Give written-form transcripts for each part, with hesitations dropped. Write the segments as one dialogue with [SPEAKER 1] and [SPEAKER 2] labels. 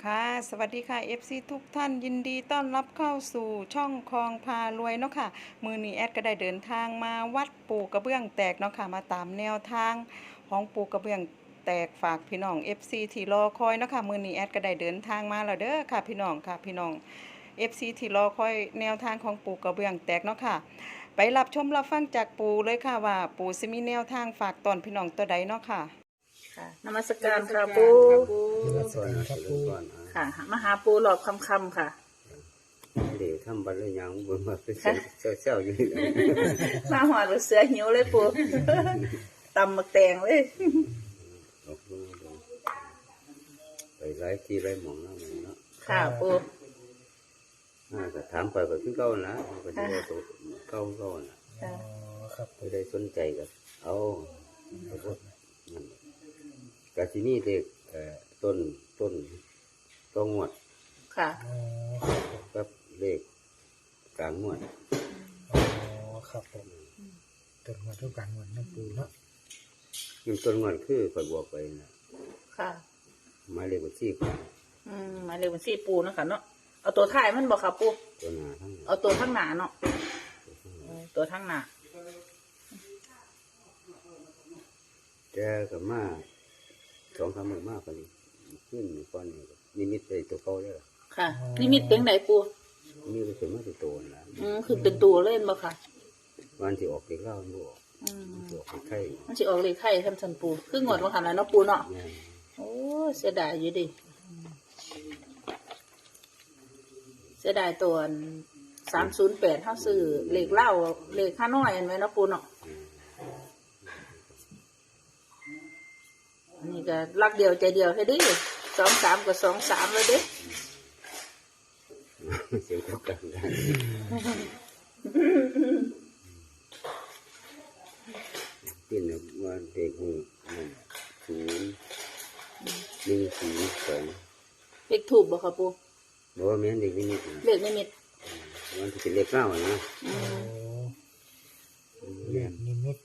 [SPEAKER 1] ค่ะสวัสดีค่ะ FC ทุกท่านยินดีต้อนรับเข้าสู่ช่องคลองพารวยเนาะค่ะมือนี้แอดก็ได้เดินทางมาวัดปูกระเบื้องแตกเนาะค่ะมาตามแนวทางของปูกระเบื้องแตกฝากพี่น้อง FC ที่รอคอยเนาะค่ะมือนี้แอดก็ได้เดินทางมาแล้วเด้อค่ะพี่น้องค่ะพี่น้อง FC ที่รอคอยแนวทางของปูกระเบื้องแตกเนาะค่ะไปรับชมรับฟังจากปูเลยค่ะว่าปูสิมีแนวทางฝากตอนพี่น้องตัวใดเนาะค่ะ
[SPEAKER 2] ค่ะนมัสการค่ะปู
[SPEAKER 3] สวัสดีครับปู
[SPEAKER 2] ค่ะมาหาปูหลอกคำค่ะ
[SPEAKER 3] เดี๋ยวทำบัตรเลยยังบนมาเป็นเซลอยู่นี่
[SPEAKER 2] มาหัวหรือเสือหิวเลยปูตำหมักแตงเลย
[SPEAKER 3] ออกดูไปไล่ที่ไล่หมองแล้วมันเนาะ
[SPEAKER 2] ค่ะปู
[SPEAKER 3] แต่ถามไปก็คือเก่านะก็จะว่าตัวเก่านะ
[SPEAKER 2] ครับ
[SPEAKER 3] ไม่ได้สนใจกับเอากะที่นี่เด็กต้นต้องงวด
[SPEAKER 2] ค่ะ
[SPEAKER 3] กับเลขกลางงวด
[SPEAKER 4] ครับผมต้นงวดทุกกลางงวดน้ำปูเนาะ
[SPEAKER 3] ยิ่งต้นงวดคือคอยบอกไปนะ
[SPEAKER 2] ค่ะ
[SPEAKER 3] หมายเลขบัญชี
[SPEAKER 2] หมายเลขบัญชีปูนะคะเนาะเอาตัวท้ายมันบอกค่ะปู
[SPEAKER 3] ตัวหน้าทั้ง
[SPEAKER 2] เอาตัวข้างหน้าเนาะตัวข้างหน้า
[SPEAKER 3] แกกับมา2-3 มื้อมากกว่านี้ขึ้นก่อนนี่นิมิตได้ตัวเก่าแล้ว
[SPEAKER 2] ค่ะนิมิตเป็นไหนปู
[SPEAKER 3] นี่ก็เป็นมาตัวโตนะ
[SPEAKER 2] คือเป็นตัวเล่นบ่ค่ะ
[SPEAKER 3] วันที่ออกเด็กเล่ามันบอกออกไข่
[SPEAKER 2] มันสิออกเลขไข่ท่านสันปูคืองวดว่าหันแล้วเนาะปูเนาะโอ้เสียดายอยู่ดิเสียดายตัว308เท่าซื้อเลขเล่าเลขข้าน้อยอันไว้เนาะปูเนาะอันนี้ก็รักเดียวใจเดียวแค่ดิ23กับ23เลยดิ
[SPEAKER 3] เสียงก็กันได้ที่หนึ่งวันเด็กมือ0-1-0-2
[SPEAKER 2] เลขถูกบ่ครับปู
[SPEAKER 3] บอกว่าแม่เด็กนิมิต
[SPEAKER 2] เลขนิมิต
[SPEAKER 3] วันที่เป็นเลขเล่านะ
[SPEAKER 4] เลขนิมิต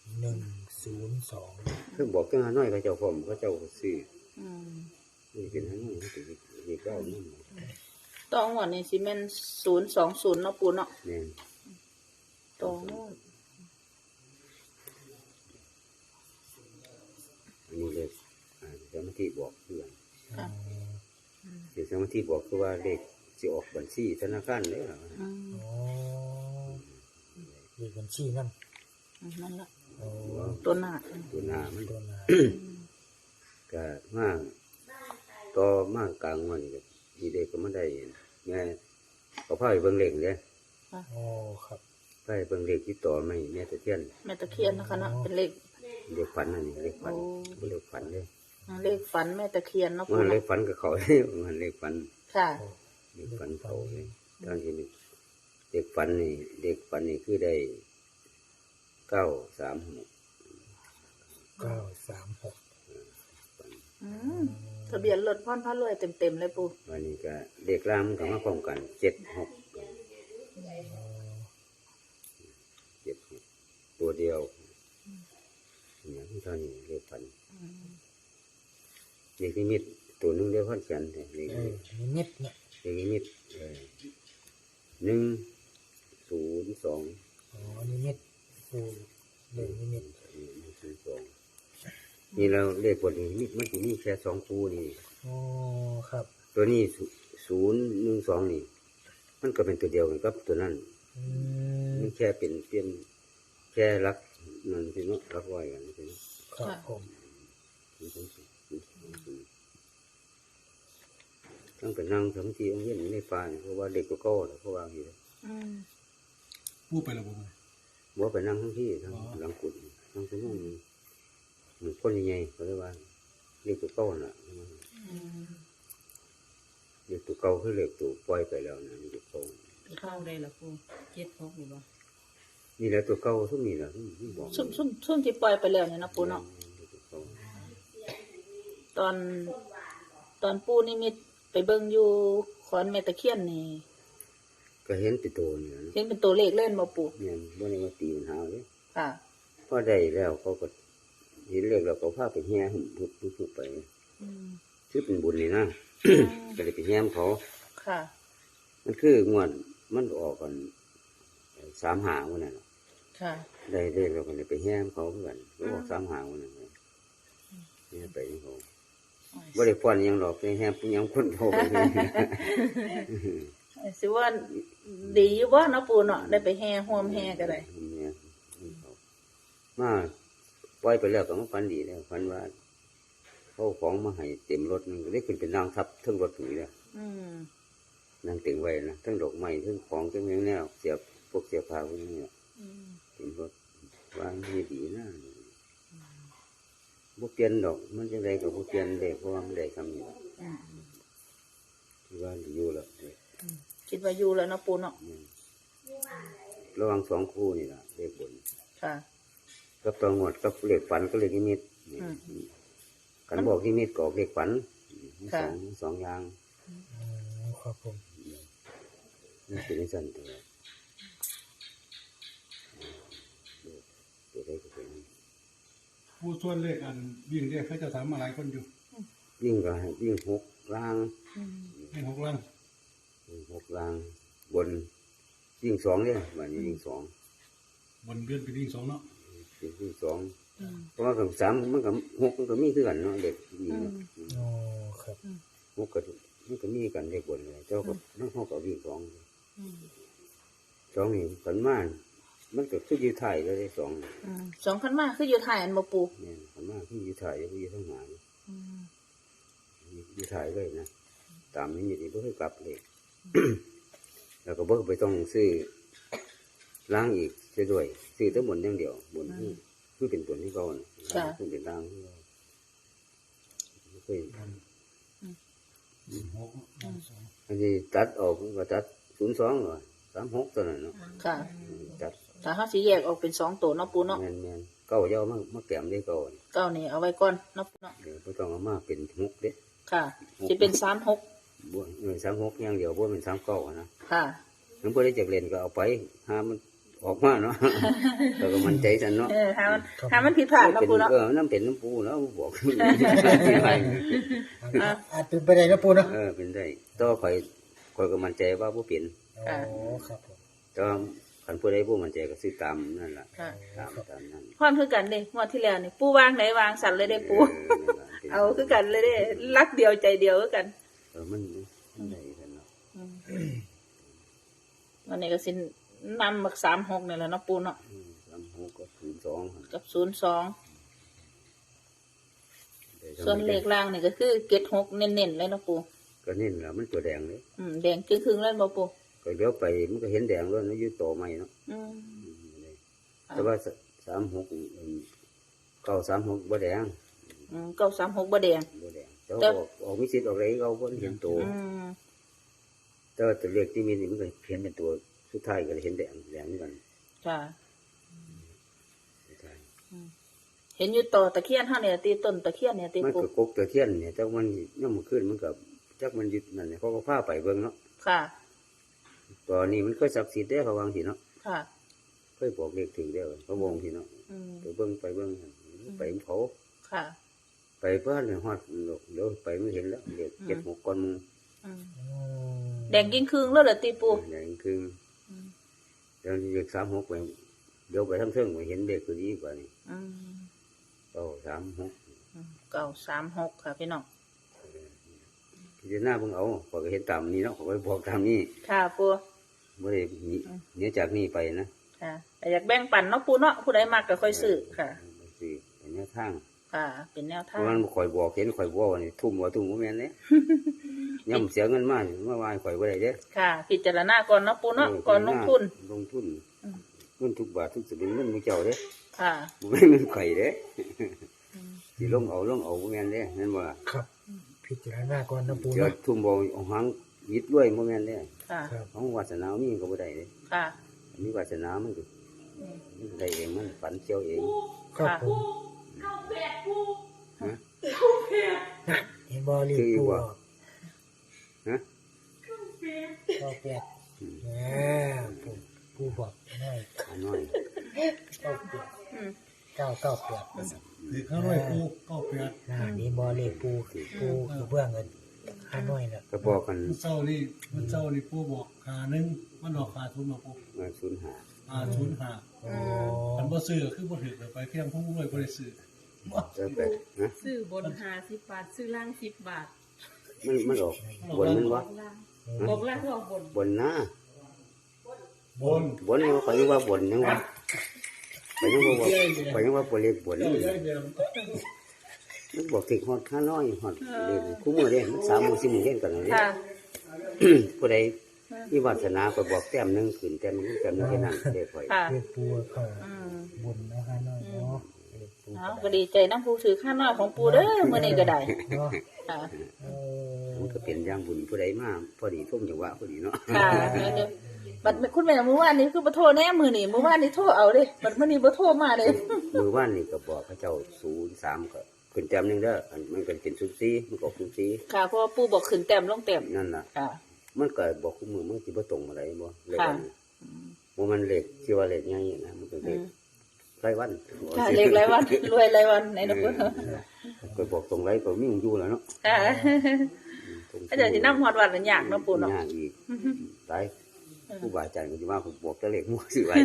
[SPEAKER 4] 102
[SPEAKER 3] คือบอกเจ้าน้อยเขาเจ้าผมเขาเจ้าซื้อนี่เป็นทั้งนั้นที่เลขเล่านั่น
[SPEAKER 2] ต้องหมดนี่สิแม่น020เนาะปูเนาะ
[SPEAKER 3] แม่น
[SPEAKER 2] ต้องหมด
[SPEAKER 3] อันนี้เลยสมาธิบอกเพื่อนเดี๋ยวสมาธิบอกคือว่าเลขจะออกบัญชีธนาคารเลยเหรอ
[SPEAKER 4] เลขบัญชีนั่น
[SPEAKER 2] ละตัวหน้า
[SPEAKER 3] มันก็มากต่อมากกลางวันก็มีเด็กก็ไม่ได้แม่เขาพาไปเบิ่งเลขเลย
[SPEAKER 4] ครับ
[SPEAKER 3] พาไปเบิ่งเลขที่ต่อไม่แม่ตะเคียน
[SPEAKER 2] นะคะเนาะเป็นเลข
[SPEAKER 3] ฝันนั่นเลขฝันบ่เลขฝันเลย
[SPEAKER 2] เลขฝันแม่ตะเคียนเนาะ
[SPEAKER 3] มันเลขฝันกับเขาเลยมันเลขฝัน
[SPEAKER 2] ค่ะ
[SPEAKER 3] เลขฝันเขาเลยตอนที่เด็กฝันนี่คือได้936
[SPEAKER 2] ทะเบียนรถพ่อนพระรวยเต็มเลยปู
[SPEAKER 3] วันนี้ก็เด็กล่างมันก็มาพร้อมกัน76ตัวเดียวอย่างที่ตอนนี้เรียกฝันเด็กนิมิตตัวนึงเรียกพันกันเด็กนิ
[SPEAKER 4] มิตเนี่ย
[SPEAKER 3] เด็กนิมิต102
[SPEAKER 4] นิมิตเลขนิมิต
[SPEAKER 3] นี่เราเรียกบทนิมิตมันจะมีแค่2คู่นี่
[SPEAKER 4] ครับ
[SPEAKER 3] ตัวนี้012นี่มันก็เป็นตัวเดียวกันกับตัวนั้นมันแค่เป็นเปลี่ยนแค่รักนั่นสิเนาะรักไว้กันสิ
[SPEAKER 4] ครับผม
[SPEAKER 3] ตั้งแต่นั่งสมาธิองค์เย็นในป่าเพราะว่าเด็กก็ก้อเพราะว่าอยู่
[SPEAKER 4] พูดไปแล้ว
[SPEAKER 3] บ่ไปนั่งทั้งที่ทั้งหลังกุฏนั่งสมาธิมันคนใหญ่ๆเขาเรียกว่าเด็กก็ก้อน่ะเด็กตัวเก่าคือเด็กตัวปล่อยไปแล้วนะเด็กโต
[SPEAKER 2] เข้าได้หรอปู76นี่บ่
[SPEAKER 3] นี่แหละตัวเก่าทุกนี่แหละที่บอก
[SPEAKER 2] ช่วงที่ปล่อยไปแล้วเนี่ยนะปูเนาะตอนปูนิมิตไปเบิ่งอยู่ขอนแม่ตะเคียนนี่
[SPEAKER 3] ก็เห็นเป็นตัวนี่
[SPEAKER 2] เห็นเป็นตัวเลขเล่นบ่ปู
[SPEAKER 3] เนี่ยบ่ได้มาตีปัญหาเลย
[SPEAKER 2] ค่ะ
[SPEAKER 3] พอได้แล้วเขาก็เห็นเลขแล้วก็พาไปแห่หุ่นพุดไปชื่อเป็นบุญนี่นะก็เลยไปแย้มเขา
[SPEAKER 2] ค่ะ
[SPEAKER 3] มันคืองวดมันออกกัน3 หางวันนั้นน่ะ
[SPEAKER 2] ค่ะ
[SPEAKER 3] ได้เราก็เลยไปแย้มเขาเหมือนกันก็ออก3 หางวันนั้นเลยแย้มไปที่เขาบ่ได้ฟ้อนหยังหรอกไปแย้มยังคนเขาไปเลย
[SPEAKER 2] สิว่าดีอยู่บ่เนาะปูเนาะได้ไปแห่ห่วมแห่ก็ได้
[SPEAKER 3] เนี่ยมาปล่อยไปแล้วก็มาฝันดีแล้วฝันว่าเขาเอาของมาให้เต็มรถนึงก็ได้ขึ้นเป็นนางทับเทั้งรถถึงเลย
[SPEAKER 2] อืม
[SPEAKER 3] นางตึงไว้นะทั้งดอกไม้ทั้งของทั้งแนวเสียบพวกเสียบผ้าพวกนี้เนี่ย
[SPEAKER 2] อืม
[SPEAKER 3] เต็มรถว่านี่ดีนะพวกเปลี่ยนดอกมันจะได้กับพวกเปลี่ยนได้เพราะว่ามันได้คำนี้
[SPEAKER 2] อืม
[SPEAKER 3] ที่ว่าอยู่แล้ว
[SPEAKER 2] คิดว่าอยู่แล้วเนาะปูเนาะ
[SPEAKER 3] ระหวัง2 คู่นี่ล่ะเลขบน
[SPEAKER 2] ค่ะ
[SPEAKER 3] กับตัวงวดกับเลขฝันก็เลขนิมิต
[SPEAKER 2] อืม
[SPEAKER 3] กันบอกนิมิตก็ออกเลขฝัน
[SPEAKER 2] ค่ะ
[SPEAKER 3] สองอย่าง
[SPEAKER 4] ครับผม
[SPEAKER 3] นี่เป็นสั้นตัวตัวได้ก็เป็น
[SPEAKER 5] ผู้ส่วนเลขอันวิ่งเรียกเขาจะถามมาหลายคนอยู่
[SPEAKER 3] วิ่งก็ให้วิ่ง6 ล่าง
[SPEAKER 2] อืม
[SPEAKER 5] เลข6 ลัง
[SPEAKER 3] วิ่ง6 ล่างบนวิ่ง2เนี่ยวันนี้วิ่ง2
[SPEAKER 5] บนเดือนไปวิ่ง2เนาะ
[SPEAKER 3] วิ่ง2
[SPEAKER 2] อืม
[SPEAKER 3] เพราะว่ากับ3มันกับ6มันก็มีคือกันเนาะเด็กวิ่ง
[SPEAKER 4] โอ้ครับ
[SPEAKER 3] 6ก็มันก็มีกันเด็กบนเลยเจ้าก็นั่งห้องก็วิ่ง2
[SPEAKER 2] อืม
[SPEAKER 3] 2นี่ขันมามันก็คืออยู่ไทยเลย2
[SPEAKER 2] อืมสองคันมาคืออยู่ถ่ายอันบ่ปู
[SPEAKER 3] เนี่ยขันมาคืออยู่ไทยอยู่ทั้งหาง
[SPEAKER 2] อืม
[SPEAKER 3] อยู่ไทยเลยนะตามนี้นี่บ่เคยกลับเลย แล้วก็บ่ไปต้องซื้อล้างอีกเสียด้วยซื้อแต่บนอย่างเดียวบนคือเป็นบนที่เก่าน่ะคือเป็นล้างที่เก่าไม่เคย
[SPEAKER 5] 6 2
[SPEAKER 3] อันนี้ตัดออกก็ตัด02หรอ36ตัวนั้นเนาะ
[SPEAKER 2] ค่ะ
[SPEAKER 3] ตัด
[SPEAKER 2] ถ้าเฮาสิแยกออกเป็น2ตัวเนาะปูเนาะ
[SPEAKER 3] แม่นๆเก่าจะเอามาแกมได้เก่า
[SPEAKER 2] เก้านี่เอาไว้ก่อนเนาะปูเนาะ
[SPEAKER 3] เดี๋ยวบ่ต้องเอามาเป็น6เด้
[SPEAKER 2] ค่ะสิเป็น36
[SPEAKER 3] บ่36อย่างเดียวบ่เป็น39อะนะ
[SPEAKER 2] ค่ะ
[SPEAKER 3] มันบ่ได้จักเล่นก็เอาไปหามันออกมาเนาะ แล้วก็มันใจซั่นเนาะ
[SPEAKER 2] ถ้ามันผิดพลาดเนาะปูเนาะ
[SPEAKER 3] น้ำเป็นน้ำปูแล้วบอก
[SPEAKER 4] อาจเป็นไปได้นะปูเนาะ
[SPEAKER 3] เป็นได้ต่อข่อยก็มั่นใจว่าบ่เป็น
[SPEAKER 4] โอ้ครับผม
[SPEAKER 3] แต่ว่าคันผู้ใดบ่มั่นใจก็ซื้อตามนั่นล่ะ
[SPEAKER 2] ค่ะ
[SPEAKER 3] ตามนั้น
[SPEAKER 2] ความคือกันเด้งวดที่แล้วนี่ปูวางไหนวางสั่นเลยเด้ปู เอาคือกันเลยเด้รักเดียวใจเดียวคือกัน
[SPEAKER 3] มันได้กันเนาะ
[SPEAKER 2] วันนี้ก็สินำมัก36นี่แหละเนาะปูเนาะ
[SPEAKER 3] 36ก็02หั่น
[SPEAKER 2] กับ02ส่วนเลขล่างนี่ก็คือ76เน้นๆเลยเนาะปู
[SPEAKER 3] ก็นี่ล่ะมันตัวแดงเลย
[SPEAKER 2] แดงครึ่งๆเลยบ่ปู
[SPEAKER 3] ก็เดี๋ยวไปมันก็เห็นแดงแล้วนะอยู่ต่อใหม่เนาะ
[SPEAKER 2] อืม
[SPEAKER 3] แต่ว่า36 936บ่แดง
[SPEAKER 2] 936บ่แดง
[SPEAKER 3] บ่แดงแต่ออกมีสิทธิ์ออกอะไรเขาบ่เห็นตัว แต่ว่าตัวเลขที่มีนี่มันก็เห็นเป็นตัวสุดท้ายก็เห็นแดงเหมือนกัน
[SPEAKER 2] ค่ะ
[SPEAKER 3] สุดท้าย
[SPEAKER 2] เห็นอยู่ต่อตะเคียนเฮาเนี่ยตีต้นตะเคียนเนี่ยตี
[SPEAKER 3] มัน
[SPEAKER 2] ปู
[SPEAKER 3] ก็กกตะเทียนเนี่ยแต่มันย่ำขึ้นมันกับจักมันยึดนั่นเนี่ยเขาก็พาไปเบิ่งเนาะ
[SPEAKER 2] ค่ะ
[SPEAKER 3] ตอนนี้มันก็ศักดิ์สิทธิ์ได้เขาวางสิเนาะ
[SPEAKER 2] ค่ะ
[SPEAKER 3] เคยบอกเลขถึงแล้วเขาบอกสิเนาะ
[SPEAKER 2] อืม
[SPEAKER 3] ไปเบิ่งไปเขา
[SPEAKER 2] ค่ะ
[SPEAKER 3] ไปเพื่อนเนี่ยฮอดเดี๋ยวไปไม่เห็นแล้วเลข76ก่อนมึง
[SPEAKER 2] อืม
[SPEAKER 4] อืม
[SPEAKER 2] แดงกิ้งครึ่งแล้วเหรอตีปู
[SPEAKER 3] แดงคือเดี๋ยวเลข36ไปเดี๋ยวไปทั้งเทิงไปเห็นเลขตัวนี้กว่านี่
[SPEAKER 2] อืม
[SPEAKER 3] 936
[SPEAKER 2] 936ค่ะพี่น้อง
[SPEAKER 3] พิจารณาเบิ่งเอาข้อยก็เห็นตามนี้เนาะข้อยก็บอกตามนี้
[SPEAKER 2] ค่ะปู
[SPEAKER 3] บ่ได้หนีจากนี้ไปนะ
[SPEAKER 2] ค่ะแต่อยากแบ่งปันเนาะปูเนาะผู้ใดมากก็ค่อยซื้อค่ะ
[SPEAKER 3] สิเป็นแนวทาง
[SPEAKER 2] ค่ะ เป็นแนว
[SPEAKER 3] เพ
[SPEAKER 2] ทาง
[SPEAKER 3] ราะมันข่อยบอกเห็นข่อยบอกว่านี่ทุ่มบ่แม่นเด้ ย่ำเสียเงินมาว่าข่อยบ่ได้เด้
[SPEAKER 2] ค่ะ พิจารณาก่อนเนาะปูเนาะก่อนลงทุน
[SPEAKER 3] ลงทุนเงินทุกบาททุกสลึงเงินมือเจ้าเด้
[SPEAKER 2] ค่ะ
[SPEAKER 3] บ่แม่นเงินข่อยเด้สิลงเอาบ่แม่นเด้นั่นบ่ล่ะ
[SPEAKER 4] ครับ พิจารณาก่อนนะปู
[SPEAKER 3] เดี๋ยว
[SPEAKER 4] เนาะ
[SPEAKER 3] ทุ่มบ่เอาหางยิดรวยบ่แม่นเด้
[SPEAKER 2] ค่ะ
[SPEAKER 4] ครับ
[SPEAKER 3] ของวาสนามีก็บ่ได้เด้
[SPEAKER 2] ค่ะ
[SPEAKER 3] มีวาสนามันก็มันได้เองมันฝันเกี่ยวเอง
[SPEAKER 4] ครับผมนะเห็นบอลีปูออก
[SPEAKER 3] ฮะ
[SPEAKER 4] ก็แปดปูบอกน้อย
[SPEAKER 3] อันน้อย
[SPEAKER 4] เก้าแปด
[SPEAKER 2] อืม
[SPEAKER 4] 998
[SPEAKER 5] เลข500 9 98
[SPEAKER 4] นี่บอลีปูคือเบื้องเงินข้าน้อยเนี่ย
[SPEAKER 3] ก็บอกกัน
[SPEAKER 5] มันเศร้านี่ปู่บอก51มันออก50มาปู่
[SPEAKER 3] มาศูนย์หา
[SPEAKER 5] 505
[SPEAKER 4] โอ้
[SPEAKER 5] มันบ่ซื้อคือบ่ถูกไปเพียงผู้รวยบ่ได้ซื้อ
[SPEAKER 3] แล้วไปนะ
[SPEAKER 6] ซื้อบน50 บาท ซื้อล่าง10 บาท
[SPEAKER 3] มันออกบนมันวะ
[SPEAKER 6] ล่างบอกล่างก็ออกบน
[SPEAKER 3] บนนะ
[SPEAKER 5] บน
[SPEAKER 3] บนนี่เขาเรียกว่าบนยังวะไปยังว่าไปยังว่าบนเล็กบน
[SPEAKER 5] เจ้า
[SPEAKER 3] นี่
[SPEAKER 5] ใหญ่แดง
[SPEAKER 3] มันบอกถึงฮอดข้าน้อยฮอดเล่นคู่มือเล่นมัน3 มื้อ 4 มื้อเล่นกันเลย
[SPEAKER 2] ค่ะ
[SPEAKER 3] ผู้ใดมีวาสนาก็บอกแต้มหนึงขึ้นแต้มหนึงแต้มหนึงแค่นั้นเด็กข่อย
[SPEAKER 2] ค่ะ
[SPEAKER 4] เรียกปูเข้า
[SPEAKER 2] อืม
[SPEAKER 4] บนนะข้าน้อยเนาะเรียกปู
[SPEAKER 2] เอาก็ดีใจน้ำผู้ถือข้าน้อยของปูเด้อมื้อนี้ก็ได้
[SPEAKER 4] เนาะ
[SPEAKER 2] ค่ะ
[SPEAKER 4] เออ
[SPEAKER 3] มันก็เป็นอย่างบุญผู้ใดมาพอดีทุ่มจังหวะพอดีเนาะ
[SPEAKER 2] ค่ะเดี๋ยวบัดคุณแม่มื้อวานนี้คือบ่โทรแน่มื้อนี้มื้อวานนี้โทรเอาเด้บัดมื้อนี้บ่โทรมาเลย
[SPEAKER 3] มือว่านนี่ก็บอกเขาเจ้า03ก็ขึ้นแต้มหนึงเด้ออันมันก็เป็น04มันก็04
[SPEAKER 2] ค่ะเพราะว่าปู่บอกขึ้นแต้มลงแต้ม
[SPEAKER 3] นั่นน่ะ
[SPEAKER 2] ค่ะ
[SPEAKER 3] มันก็บอกคู่มือมันสิบ่ตรงอะไรบ่เลข
[SPEAKER 2] ค่ะ
[SPEAKER 3] อันนี้บ่มันเลขที่ว่าเลขใหญ่นะมันก็เลขรายวัน
[SPEAKER 2] ค่ะเลขรายวันรวยรายวันไหนนะปู่
[SPEAKER 3] ก็บอกตรงไรก็มีอยู่แล้วเนาะ
[SPEAKER 2] ค่ะก็เดี๋ยวสินำฮอดวัดมันยากเนาะปู่เนาะ
[SPEAKER 3] ยากอีกตายผู้บาอาจารย์ก็สิว่าผมบอกแต่เลขมั่วสิไว้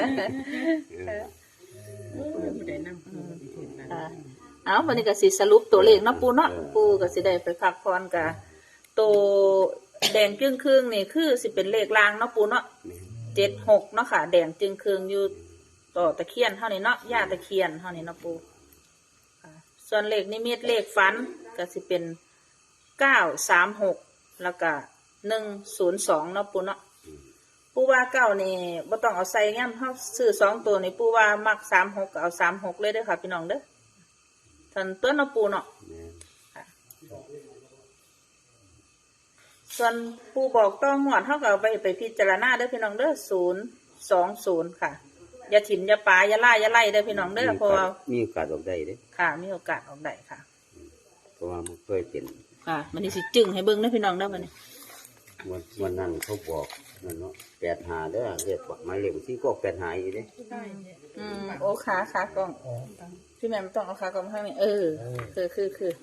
[SPEAKER 6] ผู้ใดนำผู้ถูกนะ
[SPEAKER 2] ค่ะเอาวันนี้ก็สิสรุปตัวเลขเนาะปู่เนาะปู่ก็สิได้ไปพักผ่อนกะตัวแดงจึ้งครึ่งนี่คือสิเป็นเลขรางเนาะปู่เนาะ76เนาะค่ะแดงจึ้งครึ่งอยู่ต่อตะเคียนเท่านี้เนาะย่าตะเคียนเท่านี้เนาะปู่ค่ะส่วนเลขนิมิตเลขฝันก็สิเป็น936แล้วก็102เนาะปู่เนาะปู่ว่าเก้านี่บ่ต้องเอาใส่ย่ำเฮาซื้อ2ตัวนี่ปู่ว่ามัก36ก็เอา36เลยเด้อค่ะพี่น้องเด้อท่านตัวเนาะปู่เนาะ ส่วนผู้บอกต้องหวดเท่ากับไปพิจารณาเด้อพี่น้องเด้อ020ค่ะอย่าถิ่มอย่าปาอย่าล่าอย่าไล่เด้อพี่น้องเด้อเพราะว่า
[SPEAKER 3] มีโอกาสออกได้เด้
[SPEAKER 2] ค่ะมีโอกาสออกได้ค่ะ
[SPEAKER 3] เพราะว่ามันเคยเป็น
[SPEAKER 2] ค่ะมันนี่สิจึงให้เบิ่งเด้อพี่น้องเด้อมันนี่
[SPEAKER 3] วันนั้นเขาบอกนั่นเนาะ85เด้อเรียกหมายเลขที่ก็85อีกเด้
[SPEAKER 2] โอ้ขากล้อง
[SPEAKER 4] อ๋อ
[SPEAKER 2] พี่แม่ไม่ต้องเอาขากล้องให้นี่คือ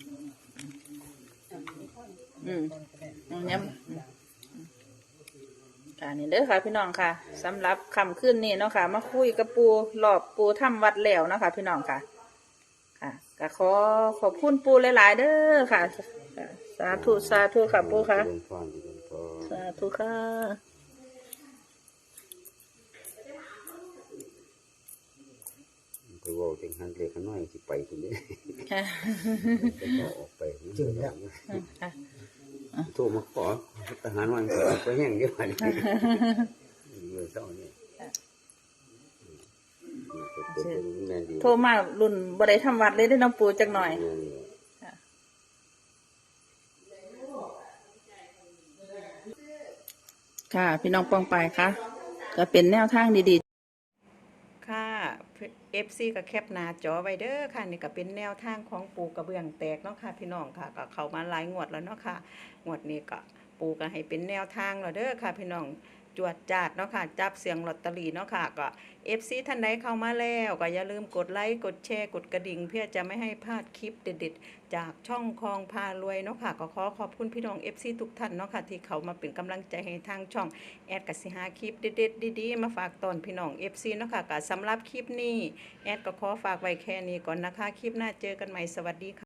[SPEAKER 2] ย้ำค่ะนี่เด้อค่ะพี่น้องค่ะสำหรับคำขึ้นนี่เนาะค่ะ มาคุยกับปูหลอบปูทำวัดแล้วเนาะค่ะพี่น้องค่ะ ค่ะก็ขอบคุณปูหลายๆเด้อค่ะ สาธุค่ะปูค่ะ
[SPEAKER 3] เดินพรเดินพร
[SPEAKER 2] สาธุค่ะ
[SPEAKER 3] ไปเว่าจังหันเลขน้อยสิไปพุ่นเด้
[SPEAKER 2] ค่ะ
[SPEAKER 3] ก็ออกไป
[SPEAKER 4] จึงแล้ว
[SPEAKER 2] ค่ะ
[SPEAKER 3] โทรมาขอทหารวันก็ไปแห้งเยอะไปเมื่อเช้านี่แม่นดี
[SPEAKER 2] โทรมารุ่นบ่ได้ทำวัดเลยได้อน้องปูจักหน่อย ค่ะ พี่น้องปองไปค่ะก็เป็นแนวทางดีๆ
[SPEAKER 1] ค่ะ FC ก็แคปหน้าจอไว้เด้อค่ะนี่ก็เป็นแนวทางของปูกระเบื้องแตกเนาะค่ะพี่น้องค่ะก็เข้ามาหลายงวดแล้วเนาะค่ะงวดนี้ก็ปูก็ให้เป็นแนวทางแล้วเด้อค่ะพี่น้องจวดจาดเนาะค่ะจับเสียงลอตเตอรี่เนาะค่ะก็ FC ท่านใดเข้ามาแล้วก็อย่าลืมกดไลค์กดแชร์กดกระดิ่งเพื่อจะไม่ให้พลาดคลิปเด็ดๆจากช่องคลองพารวยเนาะค่ะก็ขอขอบคุณพี่น้อง FC ทุกท่านเนาะค่ะที่เขามาเป็นกำลังใจให้ทางช่องแอดกสิหาคลิปเด็ดๆดีๆมาฝากตอนพี่น้อง FC เนาะค่ะก็สำหรับคลิปนี้แอดก็ขอฝากไว้แค่นี้ก่อนนะคะคลิปหน้าเจอกันใหม่สวัสดีค่ะ